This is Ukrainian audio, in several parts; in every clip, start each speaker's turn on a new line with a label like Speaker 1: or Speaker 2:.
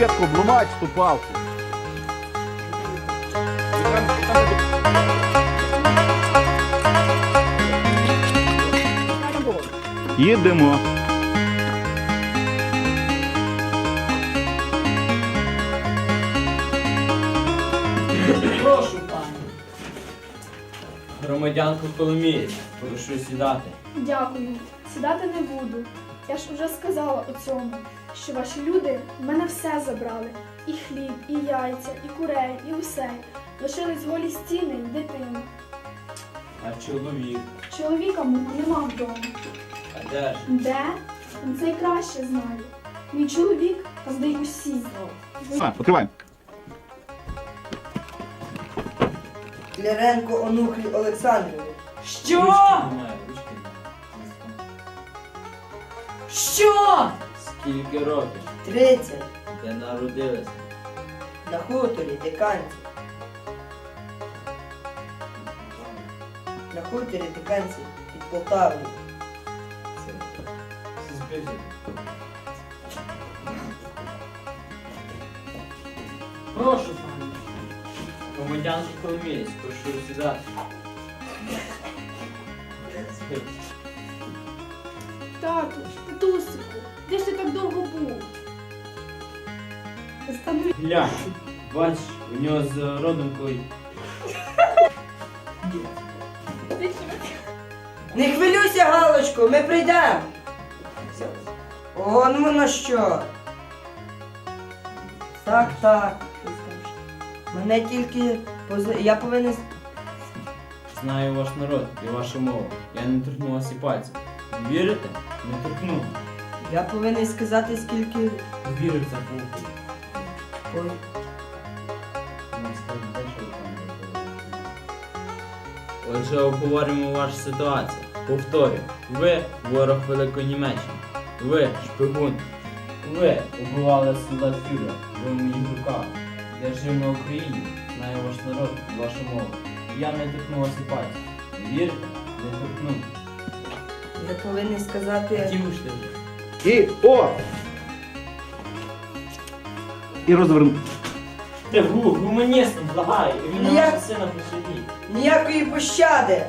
Speaker 1: швидко, обломать ту палку. Їдемо.
Speaker 2: Прошу, пане. Громадянку Коломієць, прошу сідати.
Speaker 3: Дякую. Сідати не буду. Я ж вже сказала у цьому, що ваші люди в мене все забрали. І хліб, і яйця, і курей, і усе. Лишились голі стіни й дитину.
Speaker 2: А чоловік?
Speaker 3: Чоловіка мого нема вдома.
Speaker 2: А де ж?
Speaker 3: Де? Він це й краще знає. Мій чоловік, та здає усі.
Speaker 1: Відкриваємо.
Speaker 4: Кляренко Онуфрій Олександрович.
Speaker 2: Що? Ручки немає, ручки немає.
Speaker 5: Що?
Speaker 2: Скільки років?
Speaker 4: 30.
Speaker 2: Де народилися?
Speaker 4: На хуторі Диканці. На хуторі Диканці під Полтавою.
Speaker 2: Це збився.
Speaker 5: Прошу, пане.
Speaker 2: Громадянку Коломієць, прошу сідати.
Speaker 3: Тату, татусику, де ж ти так довго був? Останови.
Speaker 2: Глянь, бачиш, у нього з родинкою.
Speaker 4: Не хвилюйся, Галочко, ми прийдемо. Он воно що. Так, так. Мене тільки я повинен.
Speaker 2: Знаю ваш народ і вашу мову. Я не торкну вас і пальцем. Вірите? Не торкну.
Speaker 4: Я повинен сказати, скільки.
Speaker 2: Вірив за пуху.
Speaker 4: Ой,
Speaker 2: Отже, обговоримо вашу ситуацію. Повторюю, ви ворог Великої Німеччини. Ви шпигун. Ви убивали солдат фюрера. Ви в моїх руках. Я жив на Україні, знаю ваш народ і вашу мову. Я не торкну вас і пальцем. Вірите? Не торкну.
Speaker 4: я повинен сказати.
Speaker 2: Хотів ж ти вже.
Speaker 1: І о! І розверну.
Speaker 2: Ти гуманістом, благаю, і він
Speaker 4: Я-
Speaker 2: вашого сина посадіть.
Speaker 4: Ніякої пощади.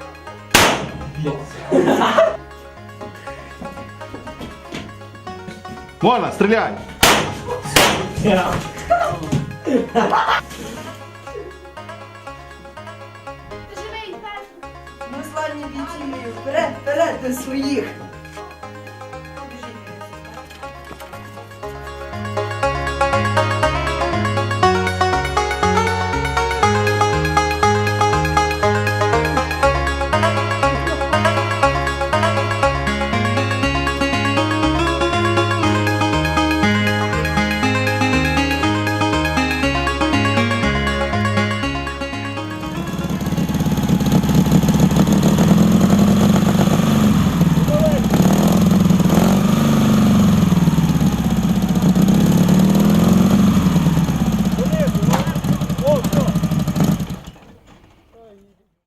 Speaker 1: Можна, стріляй!
Speaker 3: Живий, Петро.
Speaker 4: Ми славні бійці, вперед, вперед до своїх.